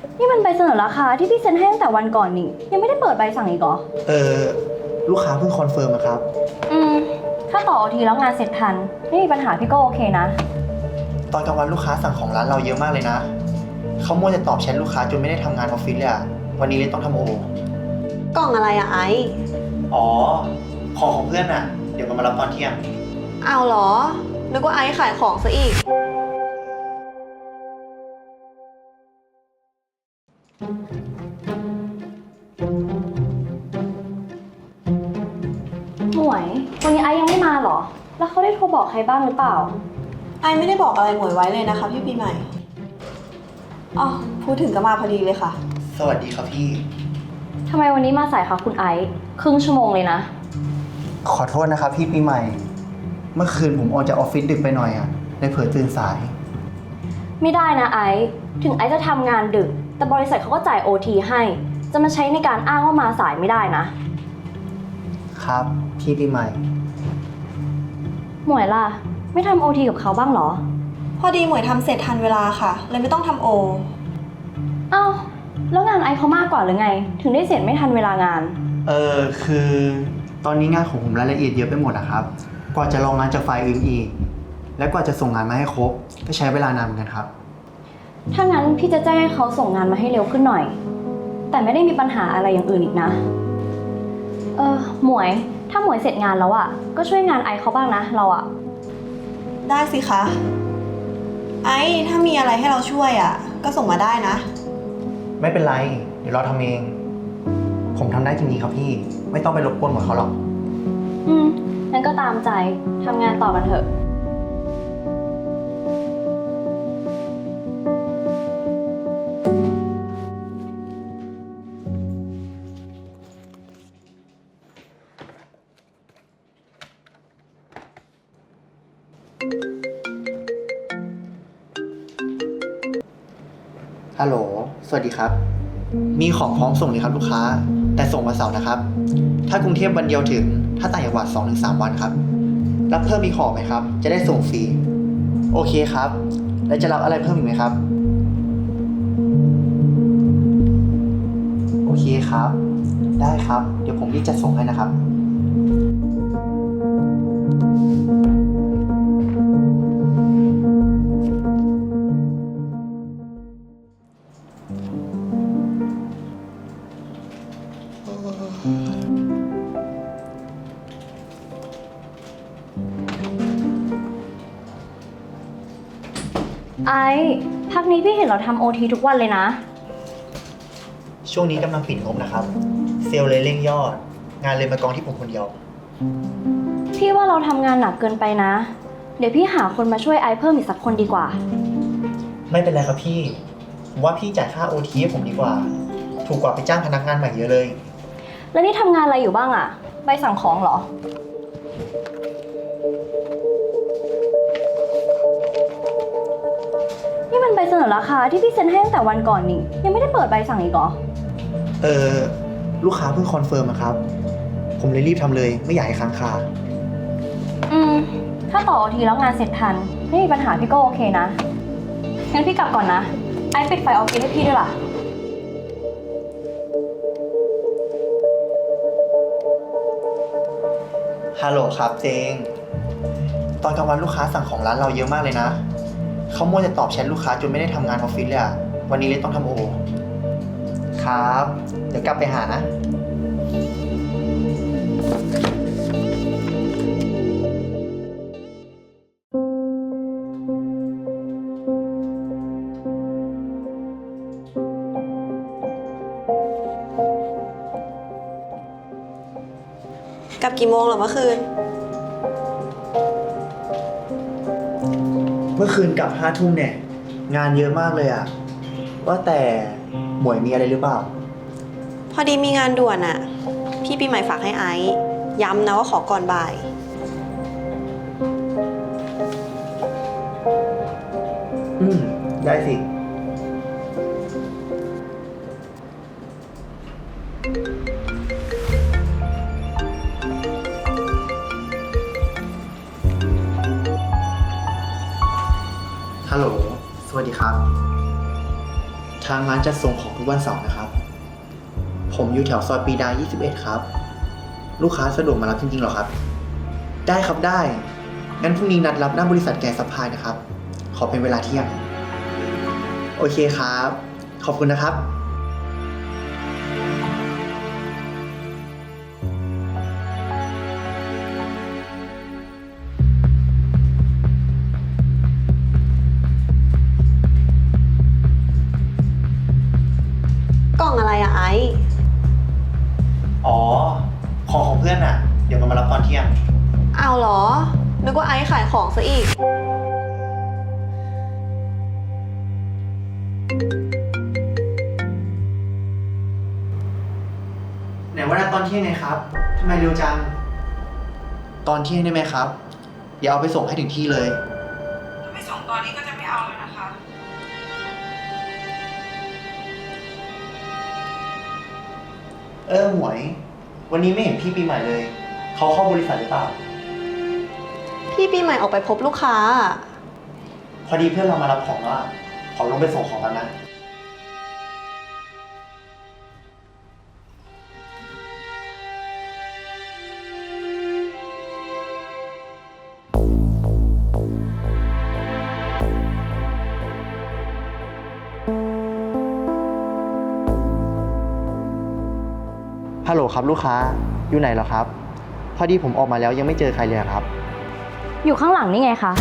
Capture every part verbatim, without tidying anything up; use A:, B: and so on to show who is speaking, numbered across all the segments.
A: นี่มันใบเสนอราคาที่พี่เซ็นให้ตั้งแต่วันก่อนนี่ยังไม่ได้เปิดใบสั่งอีกเหรอ
B: เออลูกค้าเพิ่งคอนเฟิร์มอะครับ
A: อืมถ้าต่อทีแล้วงานเสร็จทันไม่มีปัญหาพี่ก็โอเคนะ
B: ตอนกลางวันลูกค้าสั่งของร้านเราเยอะมากเลยนะเขามัวแต่ตอบแชทลูกค้าจนไม่ได้ทำงานออฟฟิศเลยอะวันนี้เลยต้องทำโอก
C: ล่องอะไรอะไอซ์
B: อ๋อของของเพื่อนอะเดี๋ยวมันมารับตอนเที่ยง
C: เอาเหรอนึกว่าไอซ์ขายของซะอีก
A: หมวยวันนี้ไอซ์ยังไม่มาเหรอแล้วเขาได้โทรบอกใครบ้างหรือเปล่า
C: ไอซ์ไม่ได้บอกอะไรหมวยไว้เลยนะคะพี่ปีใหม่อ๋อพูดถึงก็มาพอดีเลยค่ะ
B: สวัสดีครับพี่
A: ทำไมวันนี้มาสายคะคุณไอซ์ครึ่งชั่วโมงเลยนะ
B: ขอโทษนะครับพี่ปีใหม่เมื่อคืนผมออกจากออฟฟิศดึกไปหน่อยอะเลยเผลอตื่นสาย
A: ไม่ได้นะไอซ์ถึงไอซ์จะทำงานดึกแต่บริษัทเขาก็จ่าย โอ ที ให้จะมาใช้ในการอ้างว่ามาสายไม่ได้นะครับ
B: พี่ปีใหม่
A: หมวยล่ะไม่ทำ โอ ที กับเขาบ้างเหรอ
C: พอดีหมวยทำเสร็จทันเวลาค่ะเลยไม่ต้องทำโอ
A: อ้าวแล้วงานไอซ์เขามากกว่าหรือไงถึงได้เสร็จไม่ทันเวลางาน
B: เออคือตอนนี้งานของผมรายละเอียดเยอะไปหมดอะครับกว่าจะลองงานจากไฟล์อื่นอีกและกว่าจะส่งงานมาให้ครบก็ใช้เวลานานเหมือนกันครับ
A: ถ้างั้นพี่จะแจ้งให้เขาส่งงานมาให้เร็วขึ้นหน่อยแต่ไม่ได้มีปัญหาอะไรอย่างอื่นอีกนะเออหมวยถ้าหมวยเสร็จงานแล้วอะก็ช่วยงานไอซ์เขาบ้างนะเราอะ
C: ได้สิคะไอซ์ถ้ามีอะไรให้เราช่วยอะก็ส่งมาได้นะ
B: ไม่เป็นไรเดี๋ยวเราทำเองผมทำได้จริงๆครับพี่ไม่ต้องไปรบกวนหมดเขาหรอก
A: อืมงั้นก็ตามใจทำงานต่อกันเถอะ
B: ฮัลโหลสวัสดีครับมีของพร้อมส่งเลยครับลูกค้าแต่ส่งวันเสาร์นะครับถ้ากรุงเทพวันเดียวถึงถ้าต่างจังหวัด สองถึงสาม วันครับรับเพิ่มมีของไหมครับจะได้ส่งฟรีโอเคครับแล้วจะรับอะไรเพิ่มอีกไหมครับโอเคครับได้ครับเดี๋ยวผมรีบจัดส่งให้นะครับ
A: ไอซ์พักนี้พี่เห็นเราทำโอทีทุกวันเลยนะ
B: ช่วงนี้กำลังปิดงบนะครับเซลล์เลยเร่งยอดงานเลยมากองที่ผมคนเดียว
A: พี่ว่าเราทำงานหนักเกินไปนะเดี๋ยวพี่หาคนมาช่วยไอซ์เพิ่มอีกสักคนดีกว่า
B: ไม่เป็นไรครับพี่ผมว่าพี่จ่ายค่า โอ ที ให้ผมดีกว่าถูกกว่าไปจ้างพนักงานใหม่เยอะเลย
A: แล้วนี่ทำงานอะไรอยู่บ้างอะใบสั่งของเหรอนี่มันใบเสนอราคาที่พี่เซ็นให้ตั้งแต่วันก่อนนี่ยังไม่ได้เปิดใบสั่งอีกเหรอ
B: เออลูกค้าเพิ่งคอนเฟิร์มครับผมเลยรีบทำเลยไม่อยากให้ค้างคา
A: อืมถ้าต่อทีแล้วงานเสร็จทันไม่มีปัญหาพี่ก็โอเคนะงั้นพี่กลับก่อนนะไอซ์ปิดไฟออฟฟิศให้พี่ด้วยล่ะ
B: ฮัลโหลครับเจงตอนกลางวันลูกค้าสั่งของร้านเราเยอะมากเลยนะเขามัวแต่ตอบแชทลูกค้าจนไม่ได้ทำงานออฟฟิศเลยอะวันนี้เลยต้องทำโอครับเดี๋ยวกลับไปหานะ
C: กลับกี่โมงเหรอเมื่อคืน
B: เมื่อคืนกลับห้าทุ่มเนี่ยงานเยอะมากเลยอะว่าแต่หมวยมีอะไรหรือเปล่า
C: พอดีมีงานด่วนอะพี่ปีใหม่ฝากให้ไอซ์ย้ำนะว่าขอก่อนบ่าย
B: อืมได้สิฮัลโหลสวัสดีครับทางร้านจะส่งของทุกวันเสาร์นะครับ ผมอยู่แถวซอยปรีดา ยี่สิบเอ็ด ครับ ลูกค้าสะดวกมารับจริงๆเหรอครับ ได้ครับได้ งั้นพรุ่งนี้นัดรับหน้าบริษัทแกสซัพพลายนะครับ ขอเป็นเวลาเที่ยง โอเคครับ ขอบคุณนะครับ
C: กล่องอะไรอะไอซ์
B: อ๋อ ของของเพื่อนอ่ะ เดี๋ยวมันมารับตอนเที่ยง
C: เอาเหรอ นึกว่าไอซ์ขายของซะอีก
B: ไหนว่านัดตอนเที่ยงไงครับ ทำไมเร็วจัง ตอนเที่ยงได้ไหมครับ เดี๋ยวเอาไปส่งให้ถึงที่เลย
C: ถ้าไม่ส่งตอนนี้ก็จะไม่เอาเลยนะคะ
B: เออหมวย วันนี้ไม่เห็นพี่ปีใหม่เลย เขาเข้าบริษัทหรือเปล่า
C: พี่ปีใหม่ออกไปพบลูกค้า
B: พอดีเพื่อนเรามารับของแล้วอะขอลงไปส่งของแล้วนะ ฮัลโหลครับลูกค้า อยู่ไหนเหรอครับ พอดีผมออกมาแล้วยังไม่เจอใครเลยอะครับ
A: อยู่ข้างหลังนี่ไงคะ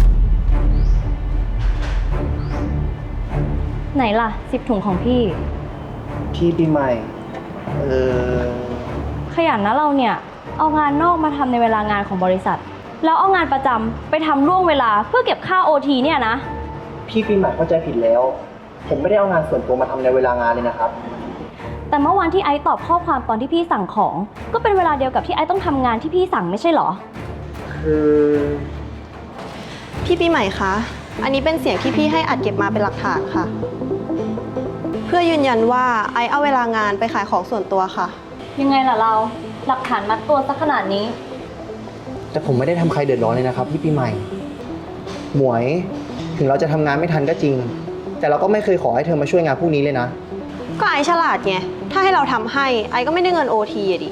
A: ไหนล่ะสิบถุงของพี่
B: พี่ปีใหม่ เออ
A: ขยันนะเราเนี่ย เอางานนอกมาทำในเวลางานของบริษัท แล้วเอางานประจำไปทำล่วงเวลาเพื่อเก็บค่าโอทีเนี่ยนะ
B: พี่ปีใหม่เข้าใจผิดแล้ว ผมไม่ได้เอางานส่วนตัวมาทำในเวลางานเลยนะครับ
A: แต่เมื่อวานที่ไอซ์ตอบข้อความตอนที่พี่สั่งของ ก็เป็นเวลาเดียวกับที่ไอซ์ต้องทำงานที่พี่สั่งไม่ใช่เหรอ
B: คือ
C: พี่ปีใหม่คะ อันนี้เป็นเสียงที่พี่ให้อัดเก็บมาเป็นหลักฐานค่ะ เพื่อยืนยันว่าไอซ์เอาเวลางานไปขายของส่วนตัวค่ะ
A: ยังไงล่ะเรา หลักฐานมัดตัวซะขนาดนี้
B: แต่ผมไม่ได้ทำใครเดือดร้อนเลยนะครับพี่ปีใหม่ หมวย ถึงเราจะทำงานไม่ทันก็จริง แต่เราก็ไม่เคยขอให้เธอมาช่วยงานพวกนี้เลยนะ
C: ก็ไอซ์ฉลาดไง ถ้าให้เราทำให้ไอซ์ก็ไม่ได้เงินโอทีอะดิ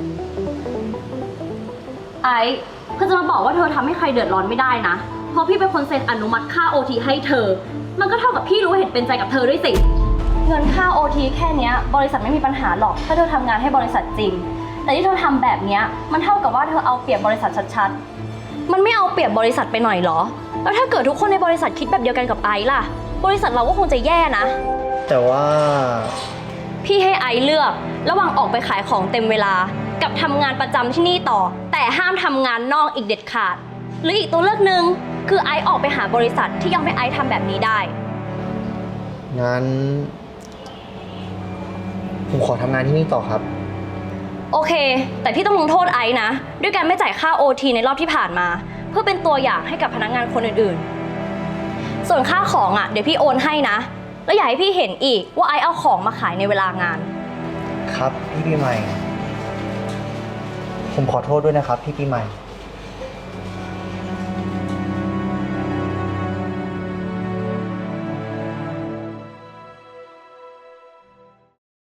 A: ไอซ์เธอจะมาบอกว่าเธอทำให้ใครเดือดร้อนไม่ได้นะ เพราะพี่เป็นคนเซ็นอนุมัติค่า โอ ที ให้เธอ มันก็เท่ากับพี่รู้เห็นเป็นใจกับเธอด้วยสิ เงินค่า โอ ที แค่เนี้ยบริษัทไม่มีปัญหาหรอกถ้าเธอทำงานให้บริษัทจริง แต่ที่เธอทำแบบเนี้ยมันเท่ากับว่าเธอเอาเปรียบบริษัทชัดๆ มันไม่เอาเปรียบบริษัทไปหน่อยเหรอ แล้วถ้าเกิดทุกคนในบริษัทคิดแบบเดียวกันกับไอซ์ล่ะ บริษัทเราก็คงจะแย่นะ
B: แต่ว่า
A: พี่ให้ไอซ์เลือกระหว่างออกไปขายของเต็มเวลา กับทำงานประจำที่นี่ต่อ แต่ห้ามทำงานนอกอีกเด็ดขาด หรืออีกตัวเลือกหนึ่งคือไอซ์ออกไปหาบริษัทที่ยอมให้ไอซ์ทำแบบนี้ได้
B: งั้น ผมขอทำงานที่นี่ต่อครับ
A: โอเค แต่พี่ต้องลงโทษไอซ์นะ ด้วยการไม่จ่ายค่า โอ ที ในรอบที่ผ่านมา เพื่อเป็นตัวอย่างให้กับพนักงานคนอื่นๆ ส่วนค่าของอ่ะเดี๋ยวพี่โอนให้นะ แล้วอย่าให้พี่เห็นอีกว่าไอซ์เอาของมาขายในเวลางาน
B: ครับพี่ปีใหม่ ผมขอโทษด้วยนะครับพี่ปีใหม่